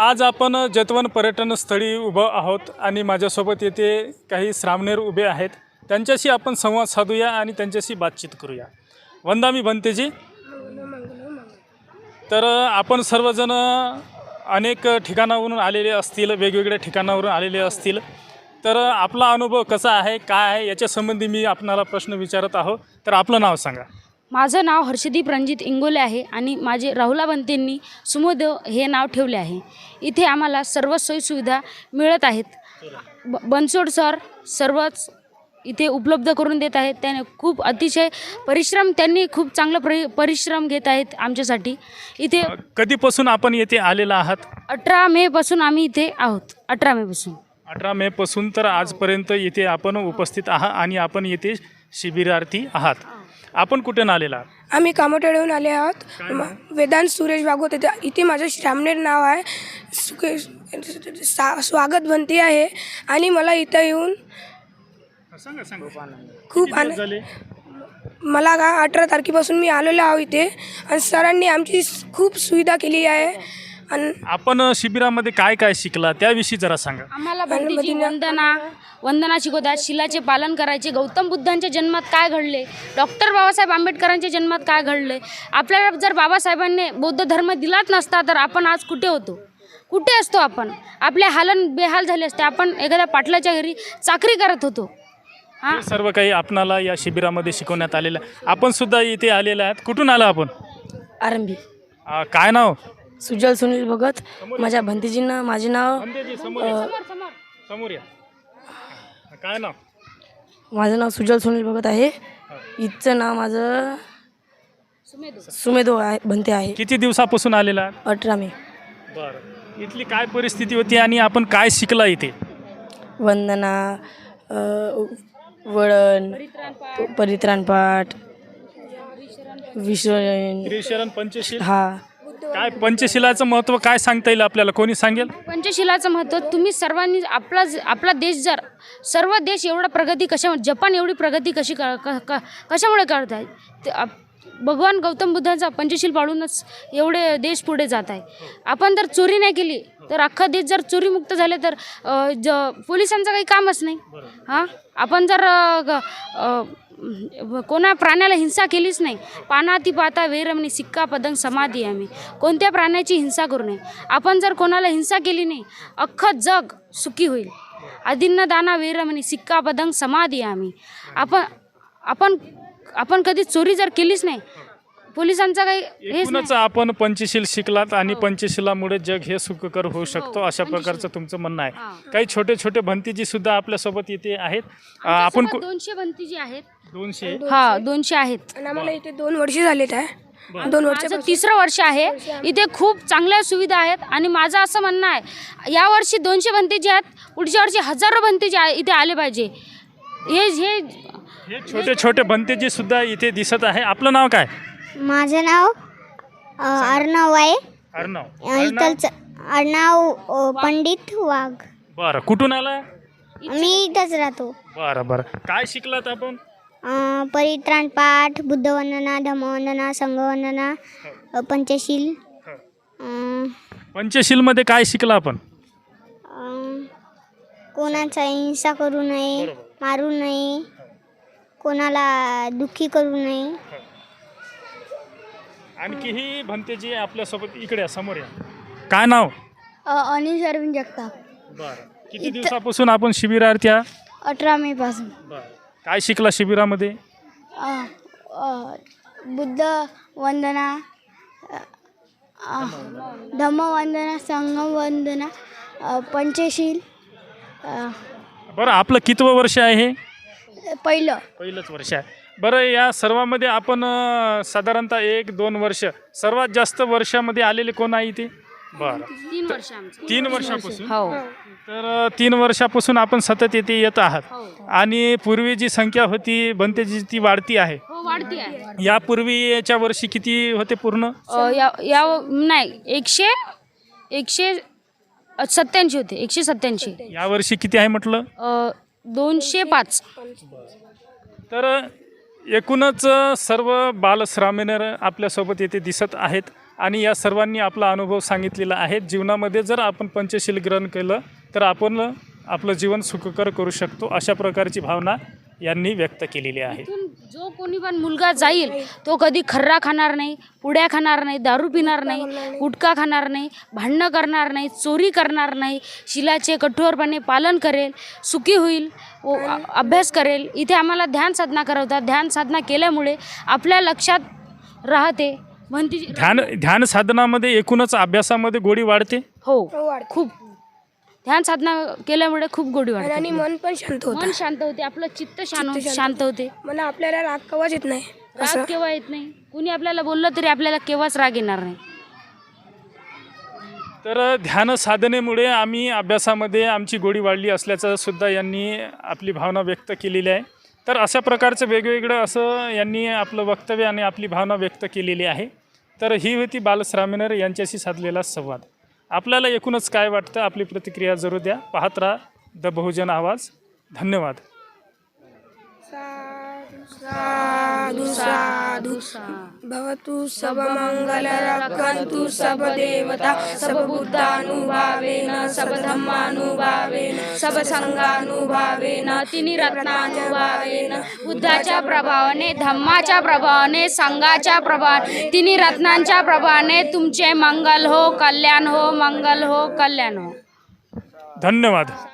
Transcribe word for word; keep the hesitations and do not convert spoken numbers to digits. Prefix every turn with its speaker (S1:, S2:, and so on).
S1: आज आपण जतवन पर्यटनस्थळी उभं आहोत आणि माझ्यासोबत येथे काही श्रामणेर उभे आहेत. त्यांच्याशी आपण संवाद साधूया आणि त्यांच्याशी बातचीत करूया. वंदामी बनतेजी. तर आपण सर्वजण अनेक ठिकाणावरून आलेले असतील, वेगवेगळ्या ठिकाणावरून आलेले असतील. तर आपला अनुभव कसा आहे, काय आहे याच्या संबंधी मी आपणाला प्रश्न विचारत आहो. तर आपलं नाव सांगा.
S2: माझं नाव हर्षदीप रणजित इंगोले आहे आणि माझे राहुला बनतेंनी सुमोदेव हे नाव ठेवले आहे. इथे आम्हाला सर्व सोयीसुविधा मिळत आहेत. ब बनसोड सर सर्वच इथे उपलब्ध करून देत आहेत. त्याने खूप अतिशय परिश्रम त्यांनी खूप चांगलं परि परिश्रम घेत आहेत आमच्यासाठी. इथे
S1: कधीपासून आपण येथे आलेला आहात?
S2: अठरा मेपासून आम्ही इथे आहोत. अठरा मेपासून
S1: अठरा मेपासून तर आजपर्यंत इथे आपण उपस्थित आहात आणि आपण येथे शिबिरार्थी आहात. आपण कुठून आलेला आहात?
S3: आम्ही कामोटेडहून आले आहोत. वेदांत सुरेश भागवत येथे इथे माझं श्रामणेर नाव आहे. सुके सा स्वागत बनते आहे आणि मला इथं येऊन
S1: सांगा सांगा
S3: खूप
S1: किती दिवस
S3: आनंद
S1: झाले?
S3: मला का अठरा तारखेपासून मी आलेलो आहो इथे आणि सरांनी आमची खूप सुविधा केली आहे. आणि
S1: आपण शिबिरामध्ये काय काय शिकला त्याविषयी जरा सांगा.
S2: आम्हाला भक्तीची वंदना वंदना शिकवतात. शिलाचे पालन करायचे. गौतम बुद्धांच्या जन्मात काय घडले, डॉक्टर बाबासाहेब आंबेडकरांच्या जन्मात काय घडले. आपल्याला जर बाबासाहेबांनी बौद्ध धर्म दिलाच नसता तर आपण आज कुठे होतो, कुठे असतो आपण. आपले हालन बेहाल झाले असते. आपण एखाद्या पाटलाच्या घरी चाकरी करत होतो.
S1: हे सर्व काही आपणाला या शिबिरामध्ये शिकवण्यात आलेलं आहे. आपण सुद्धा इथे आलेले आहात. कुठून आला आपण?
S4: आरंभी.
S1: आ, काय नाव?
S4: सुजल सुनील भगत. माझ्या भंतीजींना माझे नाव
S1: समोर या. काय नाव?
S4: माझं नाव सुजल सुनील भगत आहे. इथचं नाव माझं सुमेधो आहे, भंते आहे.
S1: किती दिवसापासून आलेला आहात?
S4: अठरा मे.
S1: बरं. इथली काय परिस्थिती होती आणि आपण काय शिकला इथे?
S4: वंदना, अ, वळण, परित्राणपाठ, विश्वजयन.
S1: त्रिशरण पंचशील.
S4: हा.
S1: काय पंचशिलाचं महत्त्व काय सांगता येईल आपल्याला? कोणी सांगेल?
S2: पंचशिलाचं महत्त्व तुम्ही सर्वांनी आपला आपला देश जर सर्व देश एवढा प्रगती कशा जपान एवढी प्रगती कशी क क क कशामुळे करत आहे ते आप भगवान गौतम बुद्धांचा पंचशील पाळूनच एवढे देश पुढे जात आहे. आपण जर चोरी नाही केली तर अख्खा देश जर चोरीमुक्त झाले तर अ, ज पोलिसांचं काही कामच नाही. हां आपण जर अ, अ, कोणा प्राण्याला हिंसा केलीच नाही. पानाती पाता वेरमणी सिक्का पदंग समाधी आम्ही कोणत्या प्राण्याची हिंसा करू नये. आपण जर कोणाला हिंसा केली नाही अख्खं जग सुखी होईल. अदिन्न दाना वेरमणी सिक्का पदंग समाधी आम्ही आपण आपण आपण कधी चोरी जर केलीच नाही पोलिसांचा काही हेच
S1: एकूणच आपण पंचशील शिकलात आणि पंचशिलामुळे जग हे सुखकर होऊ शकतो अशा प्रकारचं तुमचं म्हणणं आहे. काही छोटे छोटे भंतीजी सुद्धा आपल्यासोबत इथे आहेत. आपण कु-
S2: दोनशे भंतीजी आहेत.
S1: दोनशे.
S2: हा दोनशे आहेत.
S3: आणि आम्हाला इथे दोन वर्षे झालेत आहे. दोन वर्ष
S2: माझं तिसरं वर्ष आहे. इथे खूप चांगल्या सुविधा आहेत आणि माझं असं म्हणणं आहे यावर्षी दोनशे भंतेजी आहेत, पुढच्या वर्षी हजारो भंतेजी आ- इथे आले पाहिजे. हे हे
S1: हे छोटे छोटे भंतेजी सुद्धा इथे दिसत आहे. आपलं नाव काय?
S5: माझं नाव अ, अर्णव आहे.
S1: अर्णव.
S5: अ, इथलचं अर्णव अ, पंडित वाघ.
S1: बरं. कुठून आला?
S5: मी इथंच राहतो.
S1: बरं बरं. काय शिकलात आपण?
S5: अ, परित्राण पाठ, बुद्धवंदना, धम्मवंदना, संघवंदना, अ, पंचशील. अ,
S1: पंचशीलमध्ये काय शिकला आपण?
S5: अ, कोणाचा हिंसा करू नये, मारू नये, कोणाला दुःखी करू नये.
S1: आणखी ही भंतेजी आपल्यासोबत इकडे या, समोर या. काय नाव?
S5: अनिल अरविंद जगताप.
S1: बरं. किती दिवसापासून आपण शिबिरार्थी आहात?
S5: अठरा मे पासून.
S1: बरं. काय शिकला शिबिरामध्ये?
S5: बुद्ध वंदना, धम्मवंदना, संघवंदना, पंचशील.
S1: बरं. आपलं कितवं वर्ष आहे हे?
S5: पहिलं
S1: पहिलंच वर्ष आहे. बरं. या सर्वामध्ये आपण अं, साधारणतः एक दोन वर्ष सर्वात जास्त वर्षामध्ये आलेले कोण आहे इथे? बरं.
S2: तीन वर्ष आमचं.
S1: तीन वर्षापासून.
S2: हो
S1: तर अं, तीन वर्षापासून आपण सतत येथे येत आहात
S2: हो
S1: आणि पूर्वी जी संख्या होती भंतेजी ती वाढती आहे.
S2: हो वाढती आहे.
S1: यापूर्वीच्या वर्षी किती होते पूर्ण?
S2: अ, या या नाही एकशे एकशे सत्याऐंशी होते. एकशे सत्याऐंशी.
S1: यावर्षी किती आहे म्हटलं?
S2: अ, दोनशे पाच.
S1: तर एकूणच सर्व बालश्रामणेर आपल्यासोबत येथे दिसत आहेत आणि या सर्वांनी आपला अनुभव सांगितलेला आहे. जीवनामध्ये जर आपण पंचशील ग्रहण केलं तर आपण आपलं जीवन सुखकर करू शकतो, अशा प्रकारची भावना यांनी व्यक्त केलेली आहे.
S2: इथून जो कोणी पण मुलगा जाईल तो कधी खर्रा खाणार नाही, पुड्या खाणार नाही, दारू पिणार नाही, गुटखा खाणार नाही, भांडणं करणार नाही, चोरी करणार नाही, शिलाचे कठोरपणे पालन करेल, सुखी होईल, व अ- अभ्यास करेल. इथे आम्हाला ध्यान साधना करवतात. ध्यान साधना केल्यामुळे आपल्या लक्षात राहते म्हणती.
S1: ध्यान ध्यान साधनामध्ये एकूणच अभ्यासामध्ये गोडी वाढते.
S2: हो,
S3: वाढते.
S2: खूप ध्यान साधना केल्यामुळे खूप गोडी
S3: आणि
S2: वाढते.
S3: मन पण शांत होतं.
S2: मन शांत होते, आपलं चित्त शांत
S3: चित्त शांत
S2: शांत होते.
S3: मला आपल्याला राग कवाच येत नाही असं.
S2: राग केव्हा येत नाही. कुणी आपल्याला बोललं तरी आपल्याला केव्हाच राग येणार नाही.
S1: तर ध्यान साधनेमुळे आम्ही अभ्यासामध्ये आमची गोडी वाढली असल्याचं सुद्धा यांनी आपली भावना व्यक्त केलेली आहे. तर अशा प्रकारचं वेगवेगळं असं यांनी आपलं वक्तव्य आणि आपली भावना व्यक्त केलेली आहे. तर ही होती बालश्रामिनर यांच्याशी साधलेला संवाद. आपल्याला एकूणच काय वाटतं, आपली प्रतिक्रिया जरूर द्या. पाहत राहा द बहुजन आवाज. धन्यवाद.
S3: साधु साधु भवतु सब मंगल रक्षन्तु सब देवता सब बुद्धानुभावेन सब धम्मानुभावेन सब संघानुभावेन
S2: तिन्ही रत्नानुभावेन बुद्धाच्या प्रभावाने, धम्माच्या प्रभावाने, संघाच्या प्रभावाने, तिन्ही रत्नांच्या प्रभावाने तुमचे मंगल हो, कल्याण हो, मंगल हो, कल्याण हो.
S1: धन्यवाद.